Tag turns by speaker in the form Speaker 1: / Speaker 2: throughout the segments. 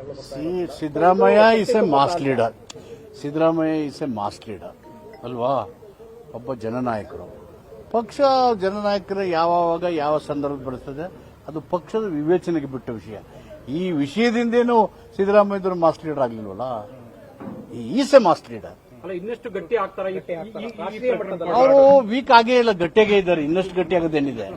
Speaker 1: Siddaramaiah is a mass leader. Siddaramaiah is a mass leader ಅಲ್ವಾ? ಒಬ್ಬ ಜನನಾಯಕರು. ಪಕ್ಷ ಜನನಾಯಕರ ಯಾವಾಗ ಯಾವ ಸಂದರ್ಭ ಬರ್ತದೆ ಅದು ಪಕ್ಷದ ವಿವೇಚನೆಗೆ ಬಿಟ್ಟ ವಿಷಯ. ಈ ವಿಷಯದಿಂದೇನು ಸಿದ್ದರಾಮಯ್ಯವರು ಮಾಸ್ ಲೀಡರ್ ಆಗ್ಲಿಲ್ವಲ್ಲ. Is a mass leader.
Speaker 2: ಇನ್ನಷ್ಟು ಗಟ್ಟಿ ಆಗ್ತಾರೆ.
Speaker 1: ಅವರು ವೀಕ್ ಆಗೇ ಇಲ್ಲ, ಗಟ್ಟಿಯಾಗೇ ಇದ್ದಾರೆ. ಇನ್ನಷ್ಟು ಗಟ್ಟಿ ಆಗೋದೇನಿದೆ?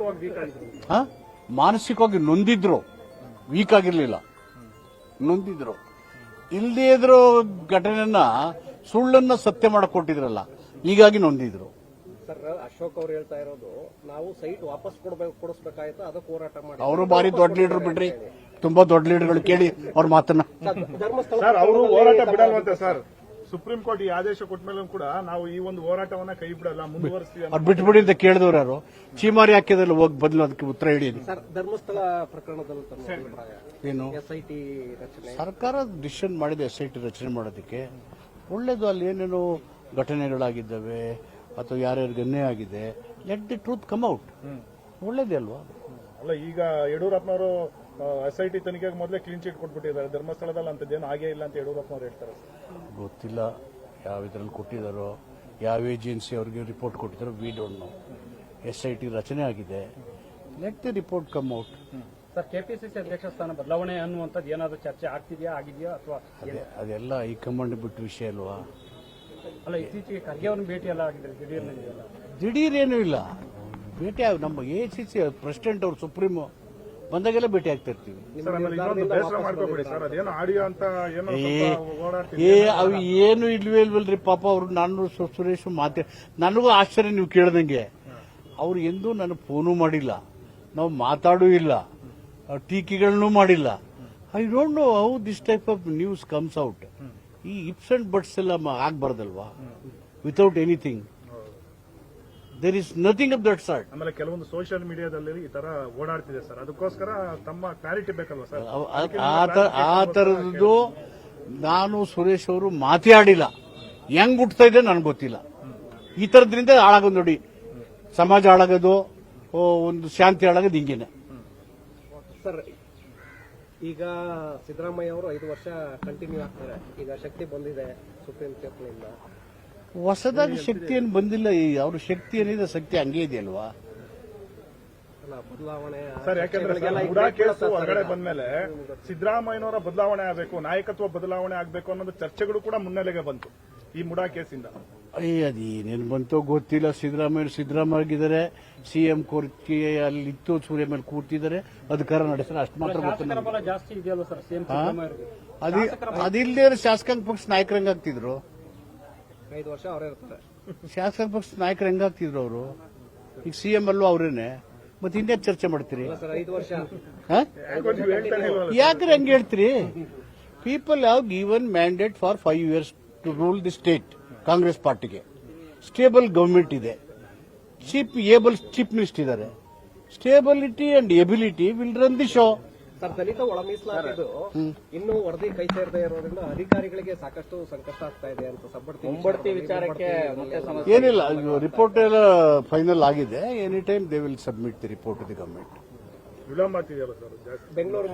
Speaker 1: ಮಾನಸಿಕವಾಗಿ ನೊಂದಿದ್ರು, ವೀಕ್ ಆಗಿರ್ಲಿಲ್ಲ, ನೊಂದಿದ್ರು. ಇಲ್ಲದೇ ಇದ್ರು ಘಟನೆಯನ್ನ ಸುಳ್ಳನ್ನ ಸತ್ಯ ಮಾಡಕ್ ಕೊಟ್ಟಿದ್ರಲ್ಲ, ಹೀಗಾಗಿ ನೊಂದಿದ್ರು.
Speaker 2: ಸರ್, ಅಶೋಕ್ ಅವರು ಹೇಳ್ತಾ ಇರೋದು ನಾವು ಸೈಟ್ ವಾಪಸ್ ಕೊಡಿಸ್ಬೇಕಾಯ್ತು, ಅದಕ್ಕೆ ಹೋರಾಟ ಮಾಡಿ.
Speaker 1: ಅವರು ಬಾರಿ ದೊಡ್ಡ ಲೀಡರ್ ಬಿಡ್ರಿ, ತುಂಬಾ ದೊಡ್ಡ ಲೀಡರ್ಗಳು. ಕೇಳಿ ಅವ್ರ ಮಾತನ್ನ.
Speaker 3: ಸರ್, ಅವರು ಹೋರಾಟ ಬಿಡಲ್ವಂತೆ ಸರ್. ಸುಪ್ರೀಂ ಕೋರ್ಟ್ ಈ ಆದೇಶ ಕೊಟ್ಟ ಮೇಲೆ ಕೂಡ ನಾವು ಈ ಒಂದು ಹೋರಾಟವನ್ನ ಕೈ ಬಿಡಲ್ಲ, ಮುಂದುವರಿಸ್ತೀವಿ.
Speaker 1: ಅವ್ರು ಬಿಟ್ಬಿಡಿ ಅಂತ ಕೇಳಿದವ್ರು ಯಾರು? ಚೀಮಾರಿ ಹಾಕಿದಲ್ಲಿ ಹೋಗಿ ಬದಲು ಅದಕ್ಕೆ ಉತ್ತರ ಹೇಳಿ.
Speaker 2: ಸರ್, ಧರ್ಮಸ್ಥಳ ಪ್ರಕರಣದಲ್ಲಿ
Speaker 1: ಏನು
Speaker 2: ಎಸ್ಐಟಿ ರಚನೆ
Speaker 1: ಸರ್ಕಾರ ಡಿಸಿಷನ್ ಮಾಡಿದೆ ಎಸ್ಐಟಿ ರಚನೆ ಮಾಡೋದಕ್ಕೆ. ಒಳ್ಳೇದು. ಅಲ್ಲಿ ಏನೇನು ಘಟನೆಗಳಾಗಿದ್ದಾವೆ ಅಥವಾ ಯಾರ್ಯಾರಿಗೆ ಅನ್ಯಾಯ ಆಗಿದೆ, let the truth come out. ಒಳ್ಳೇದೇ ಅಲ್ವಾ?
Speaker 3: ಅಲ್ಲ, ಈಗ ಯಡಿಯೂರಪ್ಪನವರು ಎಸ್ಐಟಿ ತನಿಖೆಗೆ ಮೊದಲೇ ಕ್ಲೀನ್ ಚೀಟ್ ಕೊಟ್ಬಿಟ್ಟಿದ್ದಾರೆ. ಧರ್ಮಸ್ಥಳದಲ್ಲಿ ಅಂತದ್ದೇನು ಆಗೇ ಇಲ್ಲ ಅಂತ ಯಡಿಯೂರಪ್ಪನವರು ಹೇಳ್ತಾರೆ.
Speaker 1: ಗೊತ್ತಿಲ್ಲ ಯಾವ ಇದರಲ್ಲಿ ಕೊಟ್ಟಿದ್ದಾರೋ, ಯಾವ ಏಜೆನ್ಸಿ ಅವ್ರಿಗೆ ರಿಪೋರ್ಟ್ ಕೊಟ್ಟಿದ್ದಾರೋ. We don't know. ಎಸ್ಐಟಿ ರಚನೆ ಆಗಿದೆ, let the report come out.
Speaker 2: Sir, KPCC ಅಧ್ಯಕ್ಷ ಸ್ಥಾನ ಬದಲಾವಣೆ ಅನ್ನುವಂಥದ್ದು ಏನಾದರೂ ಚರ್ಚೆ ಆಗಿದೆಯಾ ಅಥವಾ
Speaker 1: ಅದೆಲ್ಲ ಹೈಕಮಾಂಡ್ ಬಿಟ್ಟು ವಿಷಯ ಅಲ್ವಾ?
Speaker 2: ಅಲ್ಲ, ಇತ್ತೀಚೆಗೆ ಖರ್ಗೆ ಅವ್ರನ್ನ ಭೇಟಿ ಎಲ್ಲ ಆಗಿದ್ದಾರೆ.
Speaker 1: ದಿಢೀರೇನೂ ಇಲ್ಲ ಭೇಟಿ. ನಮ್ಮ ಎಸಿಸಿ ಪ್ರೆಸಿಡೆಂಟ್ ಅವರು ಸುಪ್ರೀಂ ಬಂದಾಗೆಲ್ಲ ಭೇಟಿ ಆಗ್ತಾ ಇರ್ತೀವಿ. ಅವು ಏನು ಇಲ್ವೇ ಇಲ್ವಲ್ರಿ ಪಾಪ. ಅವ್ರು ನಾನು ಸುರೇಶ್ ನನಗೂ ಆಶ್ಚರ್ಯ ನೀವು ಕೇಳ್ದಂಗೆ. ಅವ್ರು ಎಂದೂ ನನಗೆ ಫೋನು ಮಾಡಿಲ್ಲ, ನಾವು ಮಾತಾಡೂ ಇಲ್ಲ, ಟೀಕೆಗಳನ್ನೂ ಮಾಡಿಲ್ಲ. I don't know how this type of news comes out. ಈ ಇಪ್ಸ್ ಅಂಡ್ ಬಟ್ಸ್ ಎಲ್ಲ ಆಗ್ಬಾರ್ದಲ್ವಾ? Without anything. There is nothing of that sort.
Speaker 3: ಆಮೇಲೆ ಕೆಲವೊಂದು ಸೋಷಿಯಲ್ ಮೀಡಿಯಾದಲ್ಲಿ ಈ ತರ ಓಡಾಡ್ತಿದೆ ಸರ್, ಅದಕ್ಕೋಸ್ಕರ ತಮ್ಮ ಕ್ಲಾರಿಟಿ ಬೇಕಲ್ವಾ ಸರ್?
Speaker 1: ಆ ತರದ್ದು ನಾನು ಸುರೇಶ್ ಅವರು ಮಾತಾಡಿಲ್ಲ. ಹೆಂಗ್ ಹುಟ್ತಾ ಇದೆ ನನಗೆ ಗೊತ್ತಿಲ್ಲ. ಈ ತರದ್ರಿಂದ ಹಾಳಾಗೋದು ನೋಡಿ, ಸಮಾಜ ಹಾಳಾಗೋದು, ಒಂದು ಶಾಂತಿ ಹಾಳಾಗೋದು ಹಿಂಗೇನೆ.
Speaker 2: ಸರ್, ಈಗ ಸಿದ್ದರಾಮಯ್ಯ ಅವರು 5 ವರ್ಷ ಕಂಟಿನ್ಯೂ ಆಗ್ತಾರೆ. ಈಗ ಶಕ್ತಿ ಬಂದಿದೆ ಸುಪ್ರೀಂ ತೀರ್ಪಿನಿಂದ.
Speaker 1: ಹೊಸದಾಗಿ ಶಕ್ತಿ ಏನು ಬಂದಿಲ್ಲ. ಅವ್ರ ಶಕ್ತಿ ಏನಿದೆ, ಶಕ್ತಿ ಹಂಗೆ ಇದೆಯಲ್ವಾ?
Speaker 2: ಬದಲಾವಣೆ
Speaker 3: ಸರ್, ಯಾಕೆಂದ್ರೆ ಮುಡಾ ಕೇಸು ಹೊರಗಡೆ ಬಂದ್ಮೇಲೆ ಸಿದ್ದರಾಮಯ್ಯನವರ ಬದಲಾವಣೆ ಆಗಬೇಕು, ನಾಯಕತ್ವ ಬದಲಾವಣೆ ಆಗಬೇಕು ಅನ್ನೋದು ಚರ್ಚೆಗಳು ಕೂಡ ಮುನ್ನೆಲೆಗೆ ಬಂತು ಈ ಮುಡಾ ಕೇಸಿಂದ.
Speaker 1: ಅದೇನೇನು ಬಂತೋ ಗೊತ್ತಿಲ್ಲ. ಸಿದ್ದರಾಮಯ್ಯಗಿದ್ದಾರೆ, ಸಿಎಂ ಕೋರಿಕೆ ಅಲ್ಲಿತ್ತು, ಸೂರ್ಯ ಮೇಲೆ ಕೂರ್ತಿದ್ದಾರೆ, ಅಧಿಕಾರ ನಡೆಸ್ತಾರೆ, ಅಷ್ಟು ಮಾತ್ರ ಗೊತ್ತಿಲ್ಲ.
Speaker 2: ಜಾಸ್ತಿ ಇದೆಯಲ್ಲ ಸರ್ ಸಿಎಂ
Speaker 1: ಅದಿಲ್ಲದೆ ಶಾಸಕಾಂಗ ಪಕ್ಷ ನಾಯಕರು ಹೆಂಗಾಗ್ತಿದ್ರು?
Speaker 2: 5 ವರ್ಷ ಅವರೇ ಇರ್ತಾರೆ.
Speaker 1: ಶಾಸಕಾಂಗ ಪಕ್ಷ ನಾಯಕರು ಹೆಂಗಾಗ್ತಿದ್ರು ಅವರು? ಈಗ ಸಿಎಂ ಅಲ್ಲೂ ಅವರೇನೆ. ಮತ್ತೆ ಇನ್ನೇ ಚರ್ಚೆ ಮಾಡ್ತೀರಿ?
Speaker 2: 5 ವರ್ಷ
Speaker 1: ಯಾಕ್ರೆ ಹಂಗೆ ಹೇಳ್ತೀರಿ? People have given mandate for 5 years to rule the state. Congress ಪಾರ್ಟಿಗೆ ಸ್ಟೇಬಲ್ ಗವರ್ಮೆಂಟ್ ಇದೆ, ಚೀಫ್ ಮಿನಿಸ್ಟರ್ ಇದ್ದಾರೆ. Stability and ability will run the show.
Speaker 2: Sir, ದಲಿತ ಒಳ ಮೀಸಲಾತಿದು ಇನ್ನೂ ವರದಿ ಕೈ ಸೇರದೇ ಇರೋದ್ರಿಂದ ಅಧಿಕಾರಿಗಳಿಗೆ ಸಾಕಷ್ಟು ಸಂಕಷ್ಟ ಆಗ್ತಾ ಇದೆ ಅಂತ ಮುಂಬಡ್ತಿ ವಿಚಾರಕ್ಕೆ
Speaker 1: ಏನಿಲ್ಲ. ರಿಪೋರ್ಟ್ ಎಲ್ಲ ಫೈನಲ್ ಆಗಿದೆ. Any time they will submit the report to the government.
Speaker 3: ವಿಳಂಬ ಆಗ್ತಿದೆಯಲ್ಲ ಸರ್ ಜಾಸ್ತಿ?
Speaker 2: ಬೆಂಗಳೂರು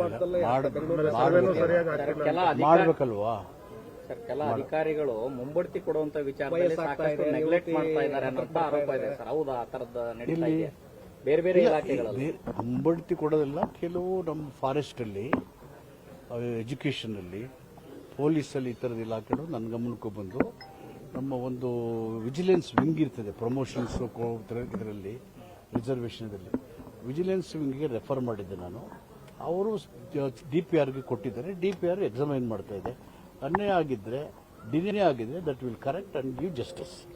Speaker 1: ಮಾಡ್ಬೇಕಲ್ವಾ?
Speaker 4: ಸರ್, ಕೆಲ ಅಧಿಕಾರಿಗಳು ಮುಂಬಡ್ತಿ ಕೊಡುವಂತ ವಿಚಾರದಲ್ಲಿ ಸಾಕಷ್ಟು ನೆಗ್ಲೆಕ್ಟ್ ಮಾಡ್ತಾ ಇದ್ದಾರೆ ಅನ್ನೋ ಆರೋಪ ಇದೆ ಸರ್. ಹೌದಾ? ಆ ತರದ ನಡೀತಾ ಇದೆ ಬೇರೆ ಬೇರೆ ಇಲಾಖೆಗಳಲ್ಲಿ.
Speaker 1: ಮುಂಬಡ್ತಿ ಕೊಡೋದಿಲ್ಲ. ಕೆಲವು ನಮ್ಮ ಫಾರೆಸ್ಟ್ ಅಲ್ಲಿ, ಎಜುಕೇಷನ್ ಅಲ್ಲಿ, ಪೊಲೀಸ್ ಅಲ್ಲಿ ಈ ತರದ ಇಲಾಖೆಗಳು ನನ್ನ ಗಮನಕ್ಕೂ ಬಂದು ನಮ್ಮ ಒಂದು ವಿಜಿಲೆನ್ಸ್ ವಿಂಗ್ ಇರ್ತದೆ, ಪ್ರಮೋಷನ್ಸ್ ಇದರಲ್ಲಿ ರಿಸರ್ವೇಷನ್ ಅಲ್ಲಿ ವಿಜಿಲೆನ್ಸ್ ವಿಂಗ್ಗೆ ರೆಫರ್ ಮಾಡಿದ್ದೆ ನಾನು. ಅವರು DPRಗೆ ಕೊಟ್ಟಿದ್ದಾರೆ. DPR ಎಕ್ಸಾಮೈನ್ ಮಾಡ್ತಾ ಇದೆ. ಅನ್ಯಾಯ ಆಗಿದ್ರೆ, ಡಿನೇ ಆಗಿದ್ರೆ that will correct and give justice.